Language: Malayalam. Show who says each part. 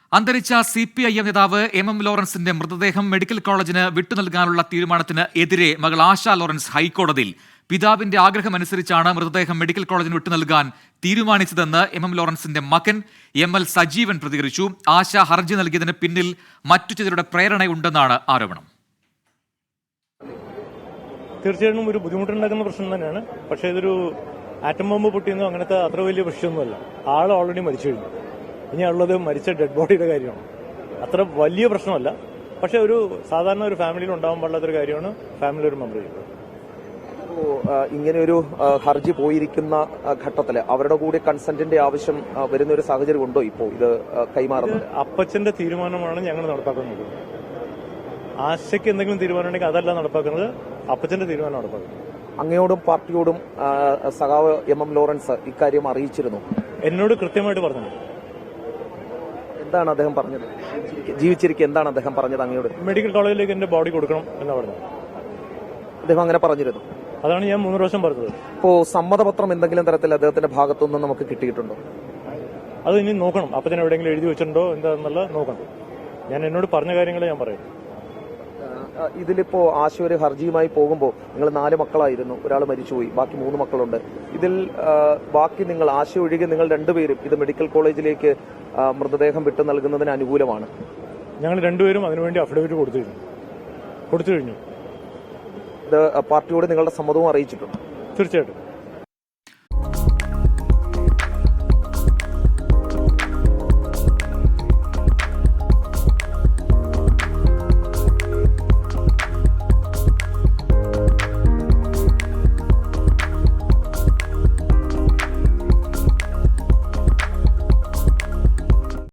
Speaker 1: അന്തരിച്ച CPIM നേതാവ് MM ലോറൻസിന്റെ മൃതദേഹം മെഡിക്കൽ കോളേജിന് വിട്ടുനൽകാനുള്ള തീരുമാനത്തിന് എതിരെ മകൾ ആശ ലോറൻസ് ഹൈക്കോടതിയിൽ പിതാവിന്റെ ആഗ്രഹമനുസരിച്ചാണ് മൃതദേഹം മെഡിക്കൽ കോളേജിന് വിട്ടുനൽകാൻ തീരുമാനിച്ചതെന്ന് MM ലോറൻസിന്റെ മകൻ ML സജീവൻ പ്രതികരിച്ചു. ആശ ഹർജി നൽകിയതിന് പിന്നിൽ മറ്റു ചിലരുടെ പ്രേരണയുണ്ടെന്നാണ് ആരോപണം.
Speaker 2: തീർച്ചയായിട്ടും ഒരു ബുദ്ധിമുട്ടുണ്ടാക്കുന്ന പ്രശ്നം തന്നെയാണ്. പക്ഷേ ഇതൊരു ആറ്റം ബോംബ് പൊട്ടിയെന്നോ അങ്ങനത്തെ അത്ര വലിയ പ്രശ്നമൊന്നുമല്ല. ആൾ ഓൾറെഡി മരിച്ചു കഴിഞ്ഞു. ഇനി ഉള്ളത് മരിച്ച ഡെഡ് ബോഡിയുടെ കാര്യമാണ്. അത്ര വലിയ പ്രശ്നമല്ല. പക്ഷെ ഒരു സാധാരണ ഒരു ഫാമിലിയിൽ ഉണ്ടാവാൻ പാടില്ലാത്തൊരു കാര്യമാണ് ഫാമിലി ഒരു മെമ്പർ ചെയ്യുന്നത്.
Speaker 3: ഇങ്ങനെ ഒരു ഹർജി പോയിരിക്കുന്ന ഘട്ടത്തിൽ അവരുടെ കൂടി കൺസെന്റിന്റെ ആവശ്യം വരുന്ന ഒരു സാഹചര്യം ഉണ്ടോ ഇപ്പോൾ ഇത് കൈമാറുന്നത്?
Speaker 2: അപ്പച്ചന്റെ തീരുമാനമാണ് ഞങ്ങൾ നടപ്പാക്കുന്നത്. ആശയ്ക്ക് എന്തെങ്കിലും തീരുമാനം ഉണ്ടെങ്കിൽ അതല്ല നടപ്പാക്കുന്നത്, അപ്പച്ചന്റെ തീരുമാനം നടപ്പാക്കുന്നത്.
Speaker 3: അങ്ങയോടും പാർട്ടിയോടും സഖാവ് MM ലോറൻസ് ഇക്കാര്യം അറിയിച്ചിരുന്നു?
Speaker 2: എന്നോട് കൃത്യമായിട്ട് പറഞ്ഞു.
Speaker 3: എന്താണ് അദ്ദേഹം പറഞ്ഞത്? ജീവിച്ചിരിക്കെ എന്താണ് അദ്ദേഹം പറഞ്ഞത് അങ്ങയോട്?
Speaker 2: മെഡിക്കൽ കോളേജിലേക്ക് എന്റെ ബോഡി കൊടുക്കണം എന്നാ പറഞ്ഞത്.
Speaker 3: അദ്ദേഹം അങ്ങനെ പറഞ്ഞിരുന്നു?
Speaker 2: അതാണ് ഞാൻ 3 പ്രാവശ്യം പറഞ്ഞത്.
Speaker 3: ഇപ്പോ സമ്മതപത്രം എന്തെങ്കിലും തരത്തിൽ അദ്ദേഹത്തിന്റെ ഭാഗത്തുനിന്ന് നമുക്ക് കിട്ടിയിട്ടുണ്ടോ?
Speaker 2: അത് ഇനി നോക്കണം. അപ്പച്ചൻ എവിടെയെങ്കിലും എഴുതി വെച്ചിട്ടുണ്ടോ എന്താണെന്നുള്ള നോക്കണം. ഞാൻ എന്നോട് പറഞ്ഞ കാര്യങ്ങൾ ഞാൻ പറയും.
Speaker 3: ഇതിലിപ്പോ ആശ ഒരു ഹർജിയുമായി പോകുമ്പോൾ നിങ്ങൾ 4 മക്കളായിരുന്നു, ഒരാൾ മരിച്ചുപോയി, ബാക്കി 3 മക്കളുണ്ട്. ഇതിൽ ബാക്കി നിങ്ങൾ ആശ ഒഴികെ നിങ്ങൾ 2 പേരും ഇത് മെഡിക്കൽ കോളേജിലേക്ക് മൃതദേഹം വിട്ടു നൽകുന്നതിന് അനുകൂലമാണ്.
Speaker 2: ഞങ്ങൾ 2 പേരും അതിനുവേണ്ടി അഫിഡവിറ്റ് കൊടുത്തു കഴിഞ്ഞു.
Speaker 3: ഇത് പാർട്ടിയോട് നിങ്ങളുടെ സമ്മതവും അറിയിച്ചിട്ടുണ്ട്?
Speaker 2: തീർച്ചയായിട്ടും.